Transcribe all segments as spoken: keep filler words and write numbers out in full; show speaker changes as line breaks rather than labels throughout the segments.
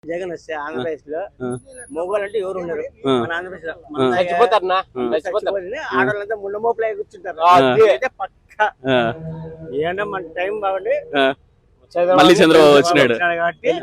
జగన్ వస్తే ఆంధ్రప్రదేశ్ లో మొగోళ్ళు అంటే ఎవరు ఉన్నారు మన ఆంధ్రప్రదేశ్ లో ఆడవాళ్ళంతా ముండ మోపులు కూర్చుంటారు అయితే పక్క ఏమన్నా మన టైం బాగుండి
మళ్ళీ చంద్రబాబు వచ్చినాడు
కాబట్టి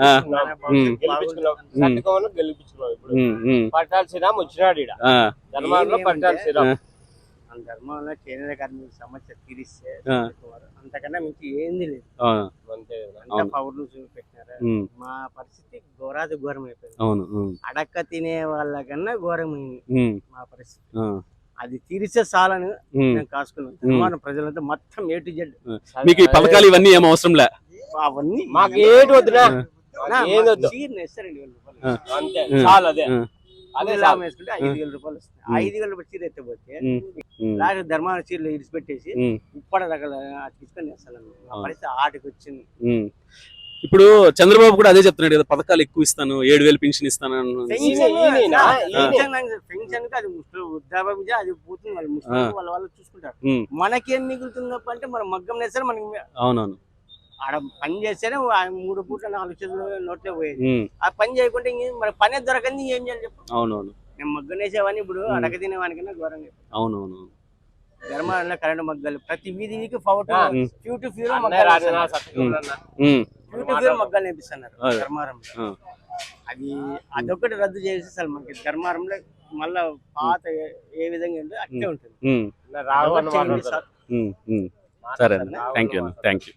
పట్టాల శ్రీరామ్ వచ్చినాడు ఇక్కడ ధర్మారంలో పట్టాల శ్రీరామ్
ధర్మంలో చేనేత కార్మికుల సమస్య తీరిస్తే అంతకన్నా మించి ఏంది లేదు అంతా పౌరులు చూపెట్టినారు మా పరిస్థితి ఘోరాది ఘోరం అయిపోయింది అడక్క తినే వాళ్ళకన్నా ఘోరమైంది మా పరిస్థితి అది తీరిస్తే చాలని నేను కాసుకున్నాను ధర్మారం ప్రజలంతా మొత్తం ఏ టు జెడ్
మీకు ఈ పథకాలు ఇవన్నీ ఏం అవసరం లే
అవన్నీ
మాకు ఏది వద్దునా
ఇస్తారండి
అంతే చాలు అదే
అదే లాభం వేసుకుంటే ఐదు వేల రూపాయలు వస్తాయి ఐదు వేల రూపాయలు చీర ఎత్తపోతే లాస్ట్ ధర్మాన చీరలు ఇడిచిపెట్టేసి ఉప్పడ రకాల తీసుకొని వేస్తాను పరిస్థితి ఆటకి వచ్చింది.
ఇప్పుడు చంద్రబాబు కూడా అదే చెప్తున్నాడు కదా పథకాలు ఎక్కువ ఇస్తాను ఏడు వేలు పెన్షన్ ఇస్తాను
పెన్షన్ అది వృద్ధాప్యం అది పోతుంది వాళ్ళు ముస్లిం వాళ్ళ వాళ్ళు చూసుకుంటారు మనకేం మిగులుతుందప్ప అంటే మనం మగ్గం నేస్తారు మనకి
అవునవును
ఆడ పని చేస్తేనే మూడు పూట్ల నాలుగు చేతులు నోట్లే పోయేది ఆ పని చేయకుంటే మన పనే దొరకంది ఏం చేయాలి చెప్పు.
అవునవును
నేను మగ్గం వేసేవాడిని ఇప్పుడు అడగ తినేవానికన్నా ఘోరంగా
అవునవును
ధర్మారంలో కరెంట్ మగ్గాలు ప్రతి వీధికి ఫౌట్ ఫ్యూ టు ఫ్యూ మగ్గాలు నేర్పిస్తున్నారు ధర్మారంలో అది అదొకటి రద్దు చేసి అసలు మనకి ధర్మారంలో మళ్ళా పాత ఏ విధంగా ఉంటే అట్లే ఉంటుంది.
సరే థ్యాంక్ యూ థ్యాంక్ యూ